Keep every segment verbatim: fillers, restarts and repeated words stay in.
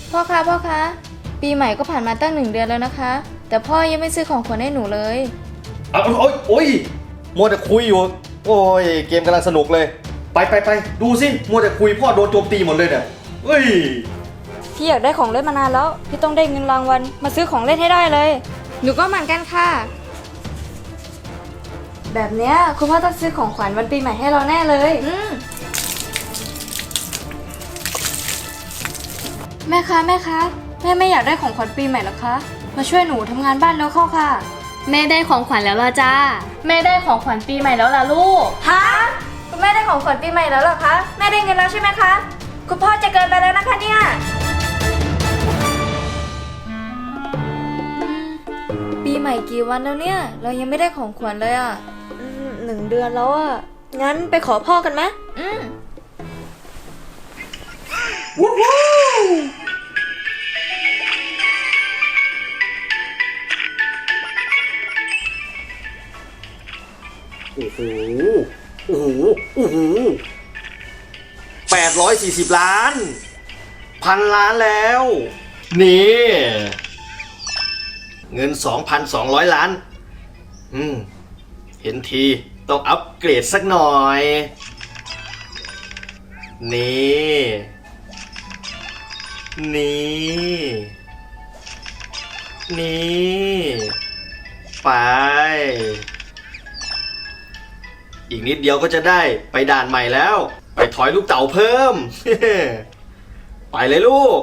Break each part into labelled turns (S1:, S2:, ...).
S1: พ่อคะพ่อคะปีใหม่ก็ผ่านมาตั้งหนึ่งเดือนแล้วนะคะแต่พ่อยังไม่ซื้อของขวัญให้หนูเลย
S2: เอาโอ้ยโอ้ยมัวแต่คุยอยู่โอ้ยเกมกำลังสนุกเลยไปไปไปดูสิมัวแต่คุยพ่อโดนโจมตีหมดเลยเนี่ยเฮ้ย
S1: พี่อยากได้ของเล่นมานานแล้วพี่ต้องได้เงินรางวัลมาซื้อของเล่นให้ได้เลยหนูก็เหมือนกันค่ะแบบเนี้ยคุณพ่อต้องซื้อของขวัญวันปีใหม่ให้เราแน่เลยอืมแม่คะแม่คะแม่ไม่อยากได้ของขวัญปีใหม่หรอคะมาช่วยหนูทำงานบ้านแล้วเข้าค่ะ
S3: แม่ได้ของขวัญแล้วล่ะจ้าแม่ได้ของขวัญปีใหม่แล้วล่ะลูก
S1: ฮะคุณแม่ได้ของขวัญปีใหม่แล้วเหรอคะแม่ได้เงินแล้วใช่ไหมคะคุณพ่อจะเกินไปแล้วนะคะเนี่ยปีใหม่กี่วันแล้วเนี่ยเรายังไม่ได้ของขวัญเลยอ่ะหนึ่งเดือนแล้วอ่ะงั้นไปขอพ่อกันไหมอืม
S2: วู้ฮู้โอ้โหโอ้โหโอ้โหแปดร้อยสี่สิบล้านพันล้านแล้วนี่เงิน สองพันสองร้อย ล้านอืมเห็นทีต้องอัปเกรดสักหน่อยนี่นี่นี่ไปอีกนิดเดียวก็จะได้ไปด่านใหม่แล้วไปถอยลูกเต๋าเพิ่ม ไปเลยลูก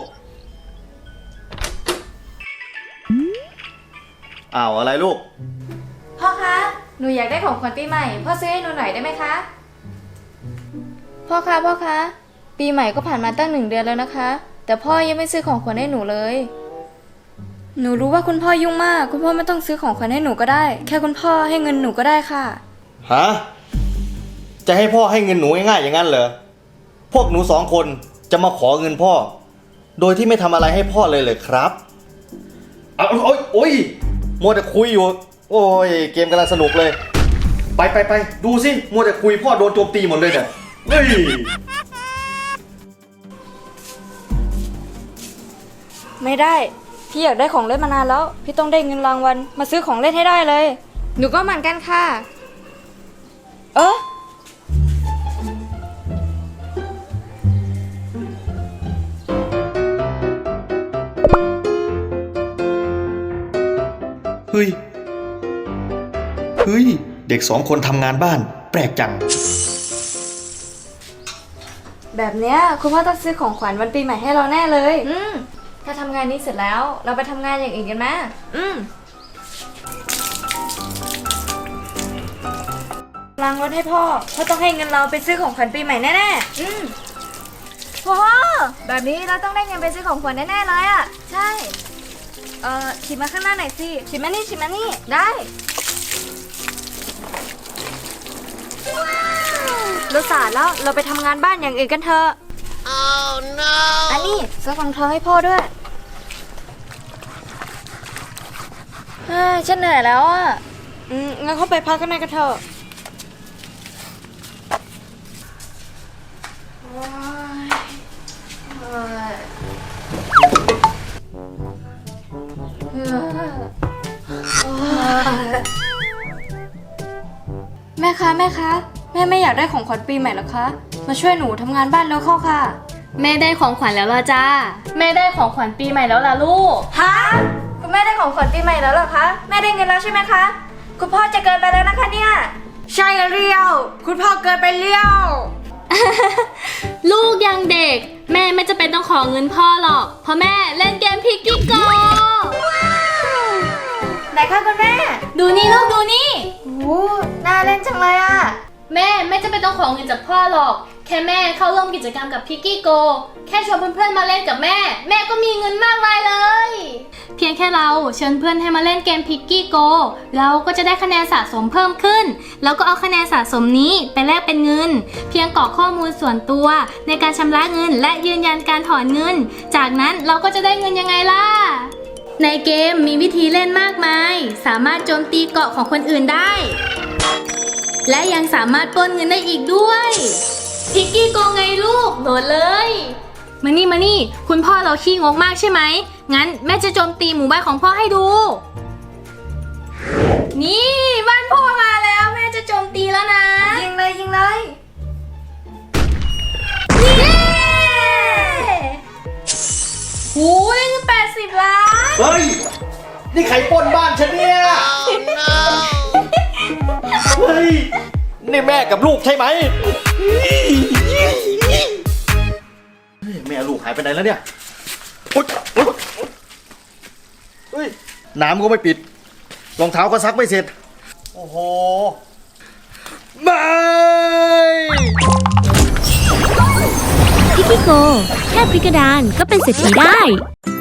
S2: อ้าวอะไรลูก
S1: พ่อคะหนูอยากได้ของขวัญปีใหม่พ่อซื้อให้หนูหน่อยได้ไหมคะพ่อคะพ่อคะปีใหม่ก็ผ่านมาตั้งหนึ่งเดือนแล้วนะคะแต่พ่อยังไม่ซื้อของขวัญให้หนูเลยหนูรู้ว่าคุณพ่อยุ่งมากคุณพ่อไม่ต้องซื้อของขวัญให้หนูก็ได้แค่คุณพ่อให้เงินหนูก็ได้ค่ะ
S2: ฮะจะให้พ่อให้เงินหนูง่ายๆอย่างนั้นเหรอพวกหนูสองคนจะมาขอเงินพ่อโดยที่ไม่ทำอะไรให้พ่อเลยเหรอครับเอาโอ้ยโอ้ยมัวแต่คุยอยู่โอ้ยเกมกำลังสนุกเลยไปไปไปดูสิมัวแต่คุยพ่อโดนโจมตีหมดเลยเนี่ยเฮ้ย
S1: ไม่ได้พี่อยากได้ของเล่นมานานแล้วพี่ต้องได้เงินรางวัลมาซื้อของเล่นให้ได้เลยหนูก็เหมือนกันค่ะเออ
S2: เฮ้ยเฮ้ยเด็กสองคนทำงานบ้านแปลกจัง
S1: แบบเนี้ยคุณพ่อต้องซื้อของขวัญวันปีใหม่ให้เราแน่เลยอืมถ้าทำงานนี้เสร็จแล้วเราไปทำงานอย่างอื่นกันไหมอืมล้างรถให้พ่อพ่อต้องให้เงินเราไปซื้อของขวัญปีใหม่แน่ๆอืมพ่อแบบนี้เราต้องได้เงินไปซื้อของขวัญแน่ๆเลยอ่ะใช่เอ่อฉีดมาข้างหน้าหน่อยสิฉีดมานี่ฉีดมานี่ได้เราสาดแล้วเราไปทำงานบ้านอย่างอื่นกันเถอะ oh no อันนี้ซื้อรองเท้าให้พ่อด้วยเฮ้ยฉันเหนื่อยแล้วอ่ะอืมงั้นเข้าไปพักกันในกันเถอะแม่คะแม่คะแม่ไม่อยากได้ของขวัญปีใหม่หรอคะมาช่วยหนูทำงานบ้านแล้วเข้าค่ะ
S3: แม่ได้ของขวัญแล้วล่ะจ้าแม่ได้ของขวัญปีใหม่แล้วล่ะลูก
S1: ฮะคุณแม่ได้ของขวัญปีใหม่แล้วเหรอคะแม่ได้เงินแล้วใช่ไหมคะคุณพ่อจะเกินไปแล้วนะคะเนี่ยใช่เรียวคุณพ่อเกินไปเลี้ยว
S3: ลูกยังเด็กแม่ไม่จะเป็นต้องขอเงินพ่อหรอกเพราะแม่เล่นเกมพิกกี้โก
S1: ไหนคะคุณแม่
S3: ดูนี่ลูกดูนี่
S1: โอ้น่าเล่นจังเลยอ่ะ
S3: แม่ไม่จะเป็นต้องขอเงินจากพ่อหรอกแค่แม่เข้าร่วมกิจกรรมกับพิกกี้โกแค่ชวนเพื่อนๆมาเล่นกับแม่แม่ก็มีเงินมากมายเลยเพียงแค่เราเชิญเพื่อนให้มาเล่นเกมพิกกี้โกเราก็จะได้คะแนนสะสมเพิ่มขึ้นแล้วก็เอาคะแนนสะสมนี้ไปแลกเป็นเงินเพียงกรอกข้อมูลส่วนตัวในการชำระเงินและยืนยันการถอนเงินจากนั้นเราก็จะได้เงินยังไงล่ะในเกมมีวิธีเล่นมากมายสามารถโจมตีเกาะของคนอื่นได้และยังสามารถปล้นเงินได้อีกด้วยพิกกี้โกไงลูกโหลดเลยมานี่มานี่ คุณพ่อเราขี้งกมากใช่ไหม งั้นแม่จะโจมตีหมู่บ้านของพ่อให้ดู นี่บ้านพ่อมาแล้วแม่จะโจมตีแล้วนะ
S1: ยิงเลยยิงเลย
S3: หูได้เงินแปดสิบล้าน
S2: เฮ้ย นี่ใครปล้นบ้านฉันเนี่ย เฮ้ย นี่แม่กับลูกใช่ไหมเฮ้ยแม่ลูกหายไปไหนแล้วเนี่ยอุ๊ยอุ๊ยเฮ้ย น้ำก็ไม่ปิด รองเท้าก็ซักไม่เสร็จ โอ้โห ไม่
S4: พิกกี้โก แค่พริกกระดานก็เป็นเศรษฐีได้